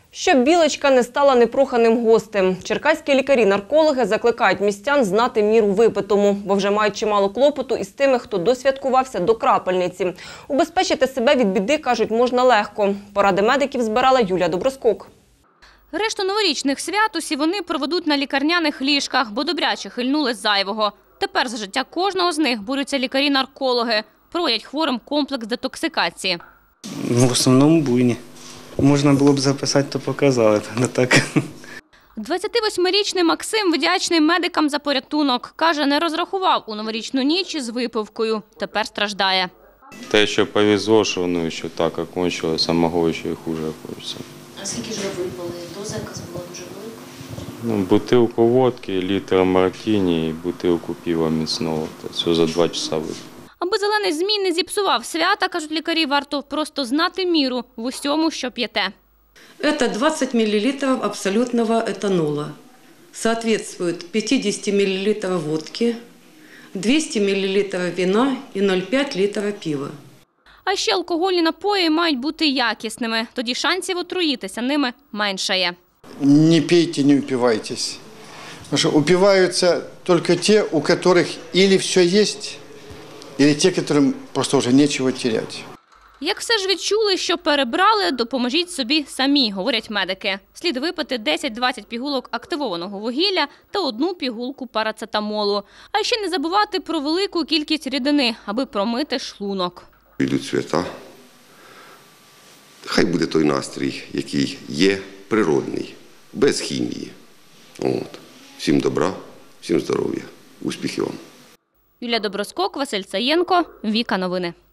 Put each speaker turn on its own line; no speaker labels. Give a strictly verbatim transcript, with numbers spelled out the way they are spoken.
Щоб білочка не стала непроханим гостем. Черкаські лікарі-наркологи закликають містян знати міру випитому, бо вже мають чимало клопоту із тими, хто досвяткувався до крапельниці. Убезпечити себе від біди, кажуть, можна легко. Поради медиків збирала Юлія Доброскок.
Решту новорічних свят усі вони проведуть на лікарняних ліжках, бо добряче хильнули з зайвого. Тепер за життя кожного з них борються лікарі-наркологи. Проводять хворим комплекс детоксикації.
В основному буйні. Можна було б записати, то показали, не так.
двадцятивосьмирічний Максим вдячний медикам за порятунок. Каже, не розрахував у новорічну ніч із випивкою. Тепер страждає.
Те, що повезло, що ну, ще так окончилось, а могло ще й хуже хочеться.
А скільки ж ви випили? Доза якась була дуже велика?
Ну, бутилку водки, літр мартіні і бутилку пива міцного. Це все за два часа випив.
Аби зелений змій не зіпсував свята, кажуть лікарі, варто просто знати міру в усьому, що п'єте.
Это двадцать миллилитров абсолютного этанола. Соответствует пятидесяти миллилитров водки, двухсот миллилитров вина и ноль целых пять литра пива.
А ще алкогольні напої мають бути якісними. Тоді шансів отруїтися ними меншає.
Не пейте, не упивайтесь. Потому что упиваются только те, у которых или все есть, или те, которым просто уже нечего терять.
Як все ж відчули, що перебрали, допоможіть собі самі, говорять медики. Слід випити десять-двадцять пігулок активованого вугілля та одну пігулку парацетамолу. А ще не забувати про велику кількість рідини, аби промити шлунок.
Йдуть свята. Хай буде той настрій, який є, природний, без хімії. От. Всім добра, всім здоров'я, успіхів вам.
Юлія Доброскок, Василь Саєнко, Віка Новини.